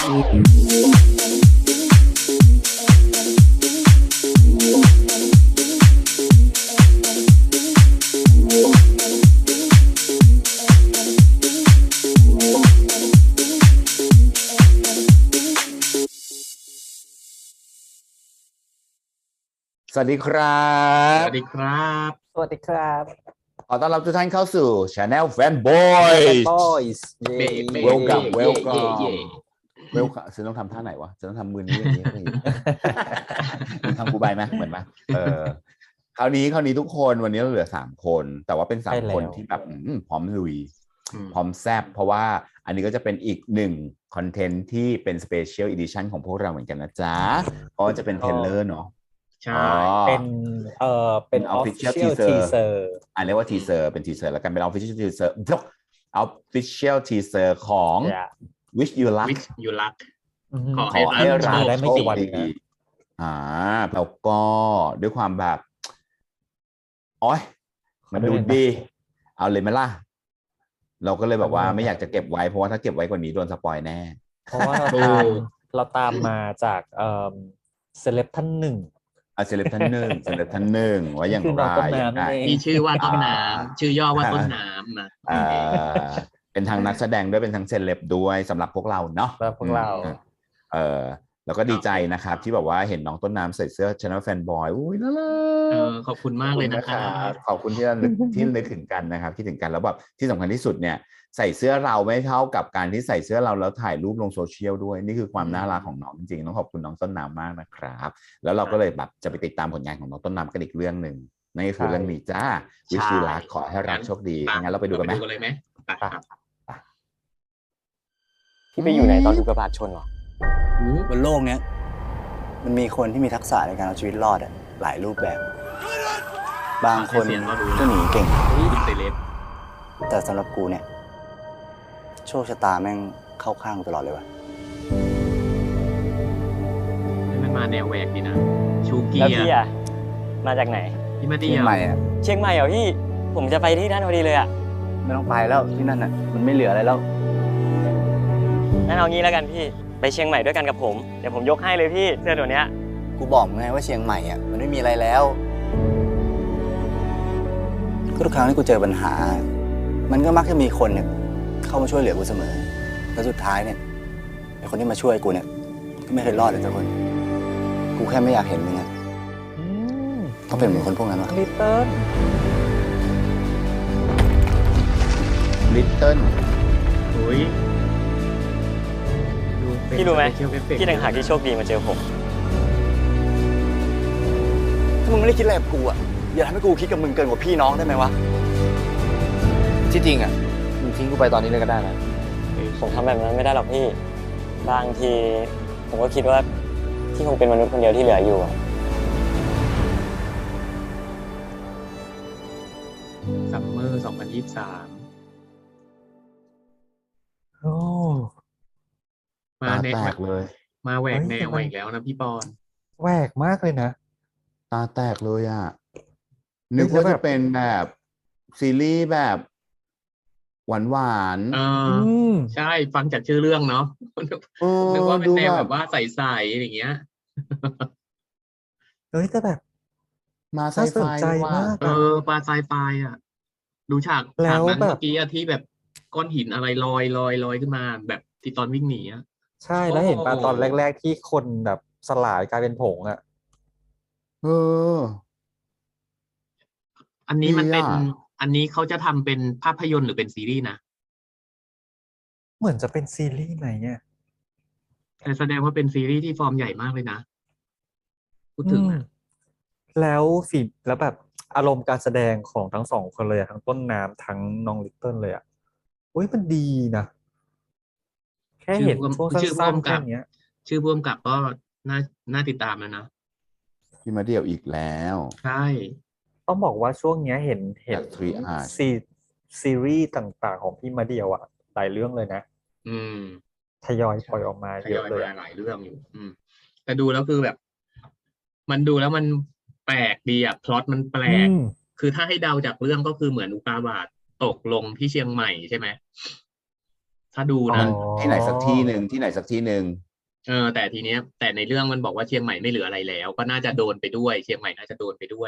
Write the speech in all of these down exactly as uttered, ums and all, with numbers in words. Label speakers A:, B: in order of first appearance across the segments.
A: สวัสดีครับ
B: สวัสดีครับ
C: สวัสดีครับ
A: ขอต้อนรับทุกท่านเข้าสู่ Channel Fanboys
C: Boys เย้
A: Welcome
B: เย่
A: Welcome
B: เย่
A: Welcome ฉันต้องทำท่าไหนวะฉันต้องทำมือนี้อย่างนี้เลยมึงทำกูใบไหมเหมือนไหมเออคราวนี้คราวนี้ทุกคนวันนี้เราเหลือสามคน แต่ว่าเป็นสามคนที่แบบพร้อมลุยพร้อมแซบเพราะว่าอันนี้ก็จะเป็นอีกหนึ่งคอนเทนต์ที่เป็น Special Edition ของพวกเราเหมือนกันนะจ๊ะเพราะจะเป็นเทรลเลอร์เนาะ
B: ใช่
C: เป็นเอ่อเป็น
A: official
C: official
A: teaser
C: teaser
A: อ่าเรียกว่า teaser เป็น teaser แล้วกันเป็น official teaser official teaser ของ
C: yeah.
A: Wish You Luck
B: Wish You Luck
A: ขอให้เรา
C: ได้ไม่กี่วัน
A: ดีอ่าแล้วก็ด้วยความแบบโอ๊ยมันดูดีเอาเลยไหมล่ะเราก็เลยแบบว่าไม่อยากจะเก็บไว้เพราะว่าถ้าเก็บไว้กว่านี้โดนสปอยแน่
C: เพราะว่าเราตามเราตามมาจากเอ่อเซเลบท่านหนึ่ง
A: อ่ะเซเลบท่านหนึ่งเซเลบท่านหนึ่งว่าอย่างไร
B: ที่ชื่อว่าต้นน้ำชื่อย่อว่าต้นน้ำนะ
A: เป็นทางนักแสดงด้วยเป็นทางเซเลบด้วยสำหรับพวกเราเนาะ
C: สำหรับพวกเรา
A: เออแล้วก็ดีใจนะครับที่แบบว่าเห็นน้องต้นน้ำใส่เสื้อ Channel Fanboy อุ้ยน่ารัก
B: เออขอบคุณมากเลยนะครับ
A: ขอบคุณที่นึกที่นึกถึงกันนะครับที่ถึงกันแล้วแบบที่สำคัญที่สุดเนี่ยใส่เสื้อเราไม่เท่ากับการที่ใส่เสื้อเราแล้วถ่ายรูปลงโซเชียลด้วยนี่คือความน่ารักของน้องจริงๆต้องขอบคุณน้องต้นน้ำมากนะครับแล้วเราก็เลยแบบจะไปติดตามผลงานของน้องต้นน้ำกันอีกเรื่องหนึ่งนั่นก็คือเรื่องนี้จ้า Wish You Luck ขอให้รักโชคดีงั้นเราไปดูกันไหม
B: ดูกันเลยไหม
C: ที่ไปอยู่ไหนตอนถูกกระบะชนหร
D: บนโลกนี้มันมีคนที่มีทักษะในการเอาชีวิตรอดหลายรูปแบบ บางคนก็หนีเก่งแต่สำหรับกูเนี่ยโชคชะตาแม่งเข้าข้างตลอดเลยวะ
B: มันมาแนวแหวกดีนะชูเกีย
C: แล้วพี่อะมาจากไหน
B: พี่มาดี
D: เชียงใหม่อะ
C: เชียงใหม่เหรอพี่ผมจะไปที่นั่นพอดีเลยอะ
D: ไม่ต้องไปแล้วที่นั่นอะมันไม่เหลืออะไรแล้ว
C: งั้นเอางี้แล้วกันพี่ไปเชียงใหม่ด้วยกันกับผมเดี๋ยวผมยกให้เลยพี่เสื้อตัวเนี้ย
D: กูบอกมึงไงว่าเชียงใหม่อะมันไม่มีอะไรแล้วก็ทุกครั้งที่กูเจอปัญหามันก็มักจะมีคนเนี่ยเข้ามาช่วยเหลือกูเสมอแล้วสุดท้ายเนี่ยไอ้คนที่มาช่วยกูเนี่ยก็ไม่เคยรอดเลยสักคนกูแค่ไม่อยากเห็นมึงอะต้องเป็นเหมือนคนพวกนั้นวะ
C: ลิตเติ้ล
A: ลิตเติ้ล
B: โอ้ย
C: พี่รู้ไหมพี่ต่างหากที่โชคดีมาเจอผม
D: ถ้ามึงไม่ได้คิดอะไรกับกูอะอย่าทำให้กูคิดกับมึงเกินกว่าพี่น้องได้ไหมวะที่จริงอะมึงทิ้งกูไปตอนนี้เลยก็ได้นะ
C: ผมทำแบบนั้นไม่ได้หรอกพี่บางทีผมก็คิดว่าที่คงเป็นมนุษย์คนเดียวที่เหลืออยู่อะ
B: ซัมเมอร์สองพันยี่สิบสาม
C: โอ้
A: มาแตกเลย
B: มาแหวกแนวอีกแล้วนะพี่ปอน
C: แหวกมากเลยนะ
A: ตาแตกเลยอ่ะนึกว่าจะเป็นแบบซีรีส์แบบหวานหวาน
B: เออใช่ฟังจากชื่อเรื่องเนาะนึกว่าเป็นแนวแบบว่าใสๆอย่างเงี้ย
C: เฮ้ยแต่แบบ
A: มาไซไฟ
C: มาก
B: เออปลาไซไฟอ่ะดูฉากฉากนั้นเมื่อกี้ที่แบบก้อนหินอะไรลอยลอยลอยขึ้นมาแบบที่ตอนวิ่งหนีอ่ะ
C: ใช่แล้วเห็นปลาตอนแรกๆที่คนแบบสลายกลายเป็นผงอ่ะ
A: เออ
B: อันนี้มันเป็นอันนี้เขาจะทำเป็นภาพยนตร์หรือเป็นซีรีส์นะ
C: เหมือนจะเป็นซีรีส์ไหนเนี่ย
B: แต่แสดงว่าเป็นซีรีส์ที่ฟอร์มใหญ่มากเลยนะพูดถึงนะ
C: แล้วสิแล้วแบบอารมณ์การแสดงของทั้งสองคนเลยทั้งต้นน้ำทั้งน้องลิตเติ้ลเลยอ่ะอุ้ยมันดีนะแค่เห็นช่วงสั้นๆแค่นี้
B: ชื่อพ่วงกับก็น่าน่าติดตามแล้วนะ
A: พี่มาเดี่ยวอีกแล้ว
B: ใช่
C: ต้องบอกว่าช่วงนี้เห็นเห็นซีซีรีส์ต่างๆของพี่มาเดี่ยวอ่ะหลายเรื่องเลยนะ
B: อืม
C: ทยอยปล่อยออกมาเยอะเลย
B: หลายเรื่องอยู่อืมแต่ดูแล้วคือแบบมันดูแล้วมันแปลกดีอ่ะพล็อตมันแปลกคือถ้าให้เดาจากเรื่องก็คือเหมือนอุกาบาตตกลงที่เชียงใหม่ใช่ไหมถ้าดู
C: อ๋อ
B: นะ
A: ที่ไหนสักที่หนึ่งที่ไหนสักที่หนึ่ง
B: เออแต่ทีเนี้ย แต่ในเรื่องมันบอกว่าเชียงใหม่ไม่เหลืออะไรแล้ว ก็น่าจะโดนไปด้วยเชียงใหม่น่าจะโดนไปด้วย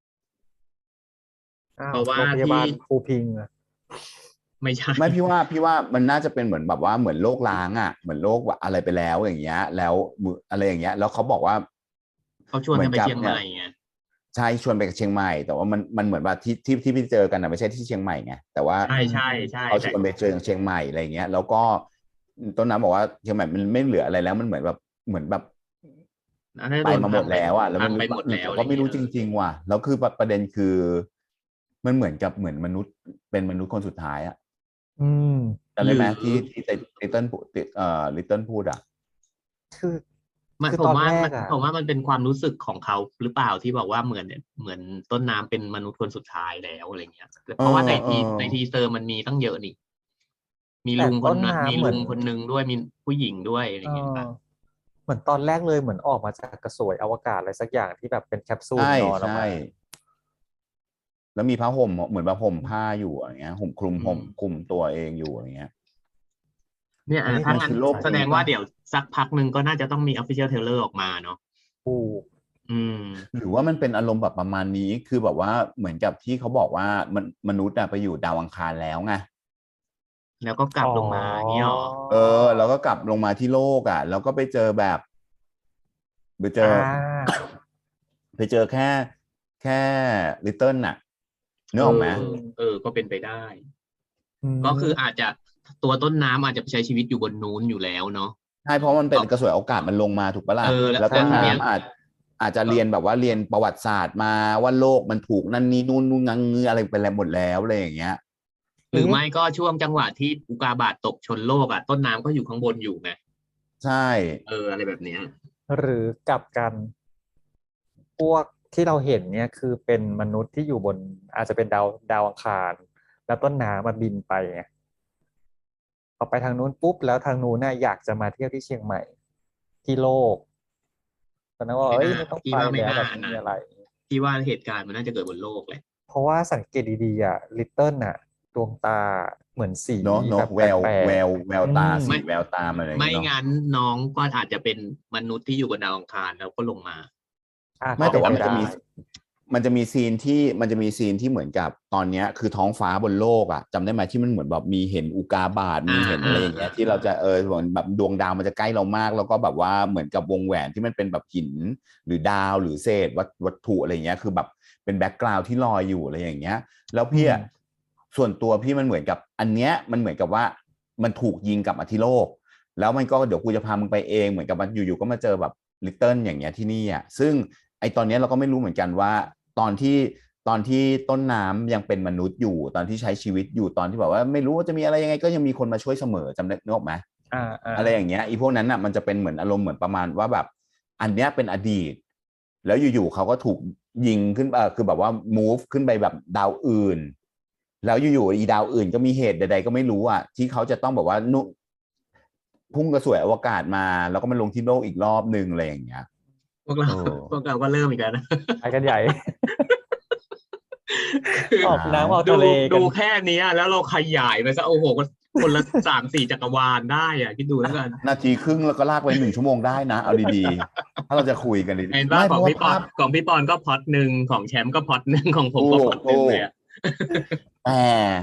C: อ้าว
B: เพราะว่า
C: โรงพยาบาล
B: ที่
C: ภูพิงค์อะ
B: ไม่ใช่
A: ไม่พี่ว่าพี่ว่ามันน่าจะเป็นเหมือนแบบว่าเหมือนโรคล้างอ่ะเหมือนโรคอะไรไปแล้วอย่างเงี้ย แล้วมืออะไรอย่างเงี้ย แล้วเขาบอกว่า
B: เขาชวนกันไป
A: หมือ
B: เชียงใหม่
A: นี่
B: ไง
A: ใช่ชวนไปเชียงใหม่แต่ว่ามันมันเหมือนว่าที่ที่ที่พี่เจอกันนะไม่ใช่ที่เชียงใหม่ไงแต่ว่า
B: ใช่ใช่ใช่
A: เขาช
B: แต่
A: วนไปเจอเชียงใหม่อะไรอย่างเงี้ย แล้วก็ต้นน้ำบอกว่าเชียงใหม่มันไม่เหลืออะไรแล้วมันเหมือนแบบเหมือนแบบ
B: อันนั้น
A: ไป
B: โดน
A: มาหมดแล้วอ่ะแล้ว
B: พั
A: มัน
B: งไปหมดแล้ว
A: ก็ไม่รู้จริง ๆ ว่ะแล้วคือประเด็นคือ มันเหมือนกับเหมือนมนุษย์เป็นมนุษย์คนสุดท้ายอ่ะ
C: อืม
A: จำได้ไหม
B: หรือ
A: ที่ที่ลิตเติ้ลเอ่อลิตเติ้ลพูดอ่ะ
C: คือ
B: มัน
C: คือ
B: ผม
C: ตอน
B: ว่า
C: แร
B: มั
C: ก
B: น
C: อะ
B: ผมว่ามันเป็นความรู้สึกของเขาหรือเปล่าที่บอกว่าเหมือนเหมือนต้นน้ำเป็นมนุษย์คนสุดท้ายแล้วอะไรเงี้ยเพราะว่าในที
A: เออเออ
B: ในทีเซอร์มันมีตั้งเยอะนี่ มี
C: แต่
B: ลุงค
C: ต้
B: น
C: น
B: นั้น
C: น้ำ
B: มี
C: เหมื
B: ลุ
C: อน
B: งคนนึงด้วยมีผู้หญิงด้วยอะไร
C: เอ
B: เงี้ย
C: อ
B: ป่ะ
C: เหมือนตอนแรกเลยเหมือนออกมาจากกระสวยอวกาศอะไรสักอย่างที่แบบเป็นแคปซูล
A: ใช่
C: นอนออก
A: ใช่
C: มา
A: แล้วมีผ้าห่มเหมือนแบบห่มผ้าอยู่อย่างเงี้ยห่มคลุม
B: อืม
A: ห่มคลุมตัวเองอยู่อย่างเงี้ย
B: เนี่ย
C: อันนี้
B: ถ้า
A: มัน
B: งั้น
A: คือโลก
B: แสดง
A: นี้
B: ว่า
A: ปะ
B: เดี๋ยวสักพักหนึ่งก็น่าจะต้องมี official trailer ออกมาเนาะ
C: ถูก
B: อืม
A: หรือว่ามันเป็นอารมณ์แบบประมาณนี้คือแบบว่าเหมือนกับที่เขาบอกว่ามันมนุษย์อะไปอยู่ดาวอังคารแล้วไง
B: แล้วก็กลับลงมาอย่างงี้เหรอ
A: เออ แล้วก็กลับลงมาที่โลกอ่ะ แล้วก็ไปเจอแบบไปเจอ
C: อ่า
A: ไปเจอแค่แค่ลิตเติ้ลน่ะนึกออกไหม
B: เออ เออ ก็เป็นไปได้
C: ม
B: ก็คืออาจจะตัวต้นน้ำอาจจะไปใช้ชีวิตอยู่บนนู้นอยู่แล้วเนาะ
A: ใช่เพราะมันเป็นกระสวยอวกาศมันลงมาถูกปะล่ะ
B: เออแล้ว
A: แล้วต้น
B: ทีเนี้ย
A: น้ำอาจอาจจะเรียนแบบว่าเรียนประวัติศาสตร์มาว่าโลกมันถูกนั่นนี่นู่นนู่นงังงืออะไรไปแล้วหมดแล้วอะไรอย่างเงี้ย
B: หรือไม่ก็ช่วงจังหวะที่อุกาบาตตกชนโลกอ่ะต้นน้ำก็อยู่ข้างบนอยู่ไง
A: ใช่
B: เอออะไรแบบเนี้ย
C: หรือกลับกัน พวกที่เราเห็นเนี่ยคือเป็นมนุษย์ที่อยู่บน อาจจะเป็นดาวดาวอังคาร แล้วต้นน้ำมาบินไปไงพอไปทางนู้นปุ๊บแล้วทางนู้นน่ะอยากจะมาเที่ยวที่เชียงใหม่ ที่โลกตอนนั้นว่า
B: ไม่
C: เอ้ย
B: น่า
C: ไม่ต้อง
B: พี่
C: ไป
B: ว่าไม่
C: แล้ว
B: น่า
C: แบบไม่มี
B: นะ
C: อะไร
B: ที่ว่าเหตุการณ์มันน่าจะเกิดบนโลกแหละ
C: เพราะว่าสังเกตดีๆอ่ะลิตเติ้ลน่ะดวงตาเหมือนสี
A: เนาะเนาะ
C: แบบ
A: แวว
C: ปลกๆ
A: แววแววตา
C: อืม
A: สีแววตาอะไรอย่าง
B: ไม่
A: เงี้ยเนาะ
B: งั้นน้องก็อาจจะเป็นมนุษย์ที่อยู่บนดาวอังคารแล้วก็ลงมา
C: อ่ะ
A: ไม่แต่ว่ามัน
C: เป็
A: จะ
C: ป
A: มี
C: ได้
A: มันจะมีซีนที่มันจะมีซีนที่เหมือนกับตอนเนี้ยคือท้องฟ้าบนโลกอ่ะจำได้ไหมที่มันเหมือนแบบมีเห็นอุกาบาตมีเห็นอะไรอย่างเงี้ย
B: อ่า
A: ที่เราจะเออเหมือนแบบดวงดาวมันจะใกล้เรามาก แล้วก็แบบว่าเหมือนกับวงแหวนที่มันเป็นแบบหินหรือดาวหรือเศษวัตวัตถุอะไรอย่างเงี้ยคือแบบเป็นแบ็กกราวด์ที่ลอยอยู่อะไรอย่างเงี้ย แล้วพี่อะส่วนตัวพี่มันเหมือนกับอันเนี้ยมันเหมือนกับว่ามันถูกยิงกลับมาที่โลก แล้วมันก็เดี๋ยวกูจะพามึงไปเองเหมือนกับมันอยู่ๆก็มาเจอแบบลิตเติ้ลอย่างเงี้ยที่นี่อ่ะซึ่งไอตอนเนี้ยเราก็ไม่รู้เหมือนกันว่าตอนที่ตอนที่ต้นน้ำยังเป็นมนุษย์อยู่ตอนที่ใช้ชีวิตอยู่ตอนที่แบบว่าไม่รู้ว่าจะมีอะไรยังไงก็ยังมีคนมาช่วยเสมอจำได้นึกออกไหม
C: อ่าอ่า
A: อะไรอย่างเงี้ยอีพวกนั้นอ่ะมันจะเป็นเหมือนอารมณ์เหมือนประมาณว่าแบบอันเนี้ยเป็นอดีต แล้วอยู่ๆเขาก็ถูกยิงขึ้นเออคือแบบว่า move ขึ้นไปแบบดาวอื่น แล้วอยู่ๆอีดาวอื่นก็มีเหตุใดๆก็ไม่รู้อ่ะที่เขาจะต้องแบบว่านุพุ่งกระสวยอวกาศมาแล้วก็มาลงที่โลกอีกรอบนึงอะไรอย่างเงี้ย
B: พวกเรา
A: เออ
B: พวกเราก็เริ่มอีกแล้วนะ
C: ไปกันใหญ่
B: คือ
C: ออกน้ำออก
B: ดู
C: ทะเลกั
B: ดู
C: น
B: แค่เนี้ยแล้วเราขยายไปซะโอ้โหคนละสามสี่จักรวาลได้อ่ะคิดดูแล้วกัน
A: นาทีครึ่งแล้วก็ลากไปหนึ่งชั่วโมงได้นะเอาดีๆถ้าเราจะคุยกันดี
B: เห็น
A: ๆ
B: ว่า
A: ไม่
B: ข
A: เพ
B: อง
A: ราะว่า
B: พี่ปอ
A: ภาน พ
B: ของพี่ปอนก็พล็อตหนึ่งของแชมป์ก็พล็อตหนึ่งของผมก็พล็อตหนึ่งเลยอ่ะ
A: แต่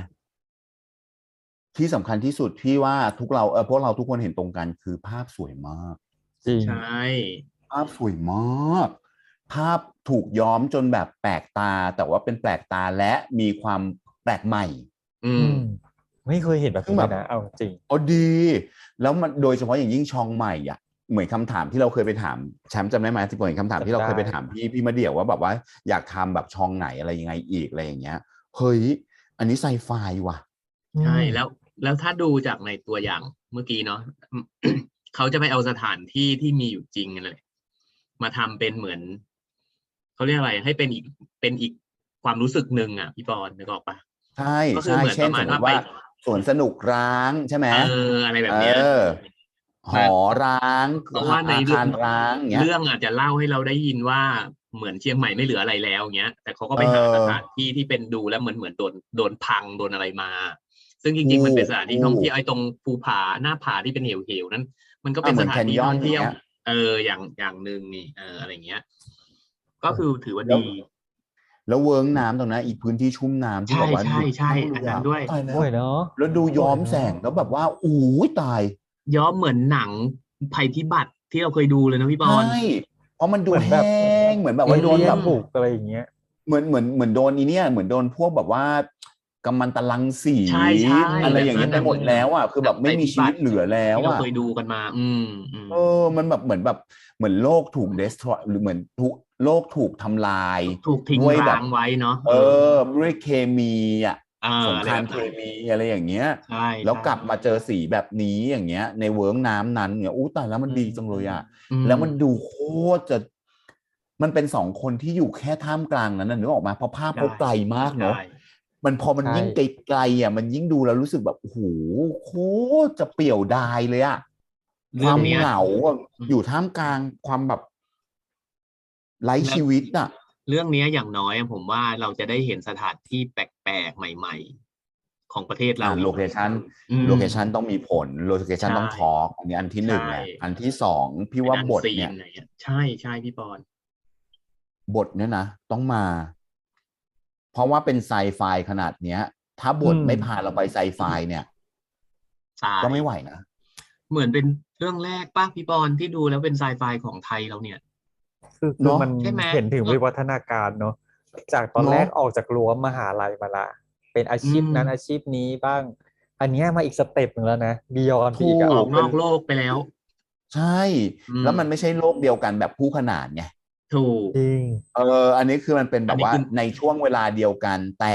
A: ที่สำคัญที่สุดพี่ว่าทุกเราเออพวกเราทุกคนเห็นตรงกันคือภาพสวยมาก
C: จริง
B: ใช่
A: ภาพสวยมาก ภาพถูกย้อมจนแบบแปลกตา แต่ว่าเป็นแปลกตาและมีความแปลกใหม่
B: อื
C: อื
B: ม
C: ม ไม่เคยเห็นแบบ
A: ซึ่ง
C: นี้
A: แบบ
C: เลยนะเอาจริง
A: อ๋อดี แล้วมันโดยเฉพาะอย่างยิ่งชองใหม่อ่ะเหมือนคำถามที่เราเคยไปถามแชมป์จำได้ไหมที่ผมเห็นคำถามที่เราเคยไปถามพี่พี่มาเดี่ยวว่าแบบว่าอยากทำแบบชองไหนอะไรยังไงอีกอะไรอย่างเงี้ยเฮ้ยอันนี้ไซไฟว่ะ
B: ใช่แล้วแล้วถ้าดูจากในตัวอย่างเมื่อกี้เนาะ เขาจะไปเอาสถานที่ที่มีอยู่จริงนั่นแหละมาทำเป็นเหมือนเขาเรียกอะไรให้เป็นอีกเป็นอีกความรู้สึกหนึ่งอ่ะพี่ปอนนึกออกปะ
A: ใช่
B: ก็คือ
A: ใช่
B: เหมือน
A: เช่น
B: ประมา
A: ส
B: ณ
A: มมติ
B: ว่า
A: ว่า
B: ไป
A: สวนสนุกร้างใช่ไหม
B: เอออะไรแบบเนี้ย
A: เออหอร้าง
B: เพราะว่าใน
A: อา
B: เรื่
A: คารร้างเงี้ย
B: เรื่องอาจจะเล่าให้เราได้ยินว่าเหมือนเชียงใหม่ไม่เหลืออะไรแล้วเงี้ยแต่เขาก็ไปหา
A: เออ
B: สถานที่ที่เป็นดูแล้วเหมือนเหมือนโดนโดนพังโดนอะไรมาซึ่งจริงๆมันเป็นสถานที่ท่องเที่ยวไอ้ตรงภูผาหน้าผาที่เป็นเหวๆนั้นมันก็เป็นสถานที่ท่องเที่ยวเอออย่างอย่างหนึ่งนี่เอออะไรเงี้ยก็คือถือว่าดี
A: แล้วเวิร์กน้ำตรงนั้นอีกพื้นที่ชุ่มน้ำที่บอกว่า
B: ใช่ใช่อันนั้นด้วย
C: ด้วยเนาะ
A: แล้วดูย้อมแสงแล้วแบบว่าอู้ยตาย
B: ย้อมเหมือนหนังภัยพิบัติที่เราเคยดูเลยนะพี่บอล
A: ใช่เพราะมันดูแห้งเหมือนแบบว่าโดนแบบ
C: บุกอะไรอย่างเงี้ย
A: เหมือนเหมือนเหมือนโดนอีเนี่ยเหมือนโดนพวกแบบว่ากัมมันตรังสีอะไรอย่างเงี้ยไปหมดแล้วอ่ะคือแบบไม่มีชีวิตเหลือแล้วอ่ะ
B: ที่เราเคยดูกันมาอืม
A: เออมันแบบเหมือนแบบเหมือนโลกถูกเดสทรอยหรือเหมือนทุกโลกถูกทำลาย
B: ถูกทิ้งร้างไว้เนาะ
A: เออด้วยเคมีอ่ะสงครามเคมีอะไรอย่างเงี้ยแล้วกลับมาเจอสีแบบนี้อย่างเงี้ยในเวิร์กน้ำนั้นเนี่ยอู้ตายแล้วมันดีจังเลยอ่ะแล้วมันดูโคตรจะมันเป็นสองคนที่อยู่แค่ท่ามกลางนั้นนะนึกออกมาเพราะภาพเขาไกลมากเนาะมันพอมันยิ่งไกลๆอ่ะมันยิ่งดูแล้วรู้สึกแบบโอ้โหโคตรจะเปี่ยวดายเลยอ่ะความเหงาอยู่ท่ามกลางความแบบไร้ชีวิตอ่ะ
B: เรื่องนี้อย่างน้อยผมว่าเราจะได้เห็นสถานที่แปลกๆใหม่ๆของประเทศเรา
A: โลเคชันโลเคชันต้องมีผลโลเคชันต้องทอล์กอันนี้อันที่หนึ่งแหละอันที่สองพี่ว่าบทเนี่ย
B: ใช่ใช่พี่ปอน
A: บทเนี่ยนะต้องมาเพราะว่าเป็นไซไฟขนาดเนี้ยถ้าบทไม่พาเราไปไซไฟเนี่ยก็ไม่ไหวนะ
B: เหมือนเป็นเรื่องแรกป่ะพี่ปอนที่ดูแล้วเป็นไซไฟของไทยเราเนี่ย
C: คือคือมันเห็นถึงวิวัฒนาการเนาะจากตอนแรกออกจากรั้วมหาลัยมาละเป็นอาชีพนั้นอาชีพนี้บ้างอันนี้มาอีกสเต็ปหนึ่งแล้วนะบียอน
B: ถูกออกนอกโลกไปแล้ว
A: ใช่แล้วมันไม่ใช่โลกเดียวกันแบบคู่ขนานไง
B: ถูก
C: จริง
A: เอออันนี้คือมันเป็นแบบว่าในช่วงเวลาเดียวกันแต่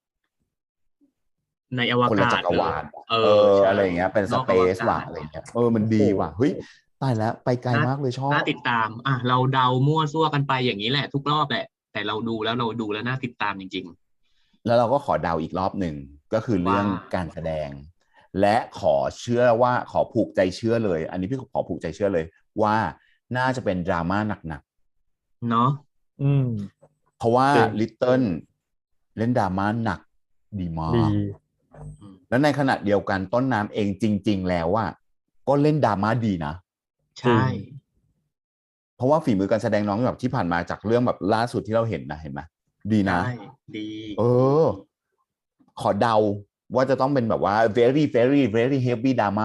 B: ในอวกาศ
A: คนละจักรวาลเอออะไรอย่างเงี้ยเป็นสเปซว่ะอะไรเงี้ยเออมันดีว่ะเฮ้ยตายแล้วไปไกลมากเลยชอบ
B: น่าติดตามอ่ะเราเดามั่วซั่วกันไปอย่างนี้แหละทุกรอบแหละแต่เราดูแล้วเราดูแล้วน่าติดตามจริง
A: ๆแล้วเราก็ขอเดาอีกรอบหนึ่งก็คือเรื่องการแสดงและขอเชื่อว่าขอผูกใจเชื่อเลยอันนี้พี่ขอผูกใจเชื่อเลยว่าน่าจะเป็นดราม่าหนัก
B: ๆเนาะ
C: อืม
A: เพราะว่าลิตเติ้ลเล่นดราม่าหนักดีมากแล้วในขณะเดียวกันต้นน้ำเองจริงๆแล้วว่าก็เล่นดราม่าดีนะ
B: ใช่
A: เพราะว่าฝีมือการแสดงน้องแบบที่ผ่านมาจากเรื่องแบบล่าสุดที่เราเห็นนะเห็นไหมดีนะ
B: ดี
A: เออขอเดาว่าจะต้องเป็นแบบว่า very very very heavy drama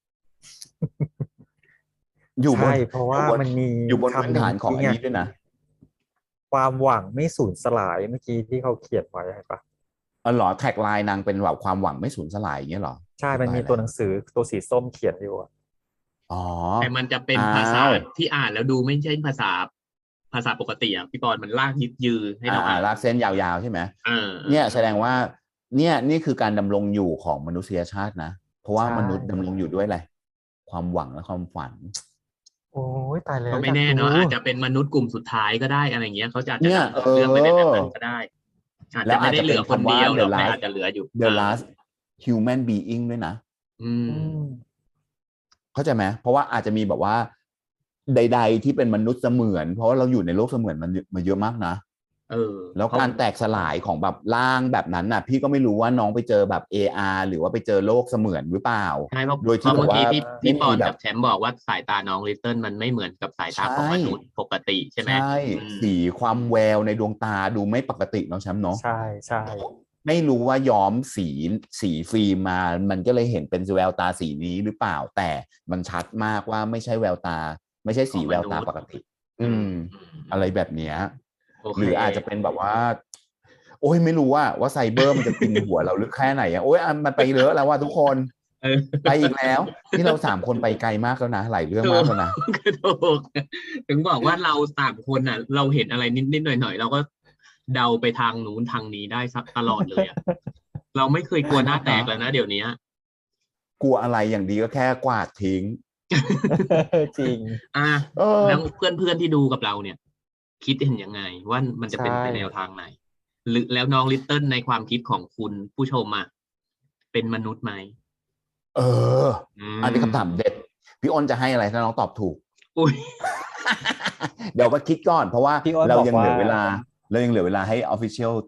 C: อยู่บนเพราะว่ามันมี
A: อยู่บนพื้นฐานของอันนี้ด้วยนะ
C: ความหวังไม่สูญสลายเมื่อกี้ที่เขาเขียนไว้ใช่ปะ
A: อ๋อเหรอแท็กไลน์นางเป็นแบบความหวังไม่สูญสลายอย่างเงี้ยเหรอ
C: ใช่มันมีตัวหนังสือตัวสีส้มเขียนอยู่
A: อ๋อ
B: แต่มันจะเป็นภาษาที่อ่านแล้วดูไม่ใช่ภาษาภาษาปกติอ่ะพี่ปอนมันลากยึดยือให้เรา
A: อ่านลากเส้นยาวๆใช่ไหมเนี่ยแสดงว่าเนี่ยนี่คือการดำรงอยู่ของมนุษยชาตินะเพราะว่ามนุษย์ดำรงอยู่ด้วยอะไรความหวังและความฝัน
C: โอ้ยตายแล้ว
B: ก็ไม่แน่เนาะอาจจะเป็นมนุษย์กลุ่มสุดท้ายก็ได้อะไรเงี้ยเขาจะจะเรื่องไปในแบบนั้นก็ได้อาจจะไม่ได้เหลือคนเดียวหรอกแต่อาจจะเหลืออยู่
A: the last human being ด้วยนะ
B: อืม
A: เข้าใจไหมเพราะว่าอาจจะมีแบบว่าใดๆที่เป็นมนุษย์เสมือนเพราะว่าเราอยู่ในโลกเสมือนมันมาเยอะมากนะ
B: เออ
A: แล้วการแตกสลายของแบบร่างแบบนั้นน่ะพี่ก็ไม่รู้ว่าน้องไปเจอแบบ เอ อาร์ หรือว่าไปเจอโลกเสมือนหรือเปล่า
B: ใช่เพราะโดยที่แบบว่าพี่ปอนกับแชมป์บอกว่าสายตาน้องลิตเติ้ลมันไม่เหมือนกับสายตาของมนุษย์ปกติใช่ไหม
A: ใช่สีความแววในดวงตาดูไม่ปกติเนาะแชมป์เนาะ
C: ใช่ใช่
A: ไม่รู้ว่าย้อมสีสีฟิล์มมามันก็เลยเห็นเป็นแววตาสีนี้หรือเปล่าแต่มันชัดมากว่าไม่ใช่แววตาไม่ใช่สีแววตาปกติอืมอะไรแบบเนี้ยหรืออาจจะเป็นแบบว่าโอ้ยไม่รู้ว่าว่าไซเบอร์มันจะกินหัวเราลึกแค่ไหนอ่ะโอ้ยมันไปเยอะแล้วว่าทุกคนไปอีกแล้วที่เราสามคนไปไกลมากแล้วนะหลายเรื่องมากแล้วนะ
B: ถึงบอกว่าเราสามคนอ่ะเราเห็นอะไรนิดๆหน่อยๆเราก็เดาไปทางนู้นทางนี้ได้สักตลอดเลยอ่ะเราไม่เคยกลัวหน้าแตกแล้วนะเดี๋ยวนี้
A: กลัวอะไรอย่างดีก็แค่กวาดทิ้ง
C: จริง
B: อ่ะแล้วเพื่อนๆที่ดูกับเราเนี่ยคิดเห็นยังไงว่ามันจะเป็นไปแนวทางไหนหรือแล้วน้องลิตเติ้ลในความคิดของคุณผู้ชมอ่ะเป็นมนุษย์ไหม
A: เอออันนี้คำถามเด็ดพี่อ้นจะให้อะไรถ้าน้องตอบถูก
B: อุ้ย
A: เดี๋ยวก็คิดก่อนเพราะว่าเรายังเหลือเวลาเรายังเหลือเวลาให้ official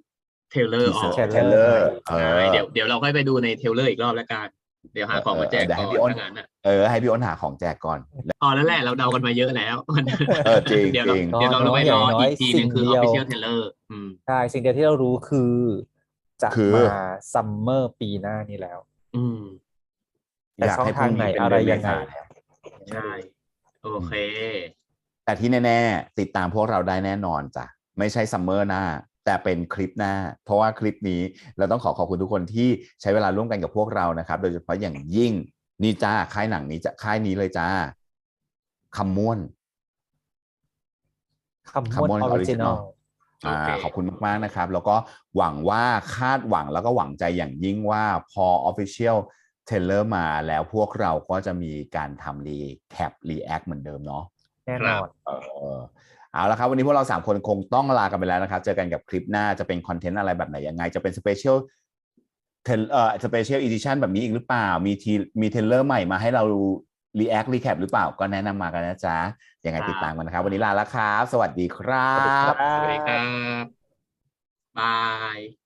B: เทรลเลอร์ออก
C: teaser
A: เทรลเลอร์เอ
B: ใช่
A: อ
B: เดี๋ยวเดี๋ยวเราค่อยไปดูในเทรลเลอร์อีกรอบแล้วกันเดี๋ยวหาของมาแจก
A: เดี๋ยว
B: ก่
A: ให้
B: อน
A: พี่อ้น
B: ถ้างั้นอ่ะ
A: เออให้พี่อ้นหาของแจกก่อน
B: พอแล้วแหละเราเดากันมาเยอะแล้ว
A: เออจริง
B: เดี๋ยวเรา
A: จริง
B: เดี๋ยวเราไปรอ
C: น้อยๆ
B: อีกทีหนึงคือ
C: สิ่งเดียว
B: official trailer อืม
C: ใช่สิ่งเดียวที่เรารู้คือจะ
A: คือ
C: มาซัมเมอร์ปีหน้านี้แล้ว
B: อืม
C: แต่
A: อยาก
C: ช่อง
A: ให้พ
C: ทาง
A: รุ่ง
C: ไหน
A: นี้เป็น
C: อะไร
A: เดือนเม
C: ยังไง
A: ษา
C: เนี่ย
B: ใช่ โอเค
A: แต่ที่แน่ๆติดตามพวกเราได้แน่นอนจ้ะไม่ใช่ซัมเมอร์หน้า แต่เป็นคลิปหน้า เพราะว่าคลิปนี้เราต้องขอขอบคุณทุกคนที่ใช้เวลาร่วมกันกับพวกเรานะครับ โดยเฉพาะอย่างยิ่งนี่จ้าค่ายหนังนี้จะค่ายนี้เลยจ้าคำม่วน
C: คำม้วน
A: คำม่วน
C: ออริจินอ
A: Original
C: ล
A: อ่า
B: โอเค
A: ขอบคุณมากๆนะครับ แล้วก็หวังว่าคาดหวังแล้วก็หวังใจอย่างยิ่งว่าพอ Official Trailer มาแล้วพวกเราก็จะมีการทำรีแคปรีแอคเหมือนเดิมเนาะ
C: แน่นอน
A: เออเอาละครับวันนี้พวกเราสามคนคงต้องลากันไปแล้วนะครับ เจอกันกับคลิปหน้าจะเป็นคอนเทนต์อะไรแบบไหนยังไง จะเป็นสเปเชียลเทเอ่อสเปเชียลอีดิชันแบบนี้อีกหรือเปล่า มีทีมีเทรลเลอร์ใหม่มาให้เรารีแอครีแคปหรือเปล่าก็แนะนำมากันนะจ๊ะยังไงติดตามกันนะครับ วันนี้ลาแล้วครับ สวัสดีครั
C: สวัสดีครับ บ
B: สวัสดีครับ บาย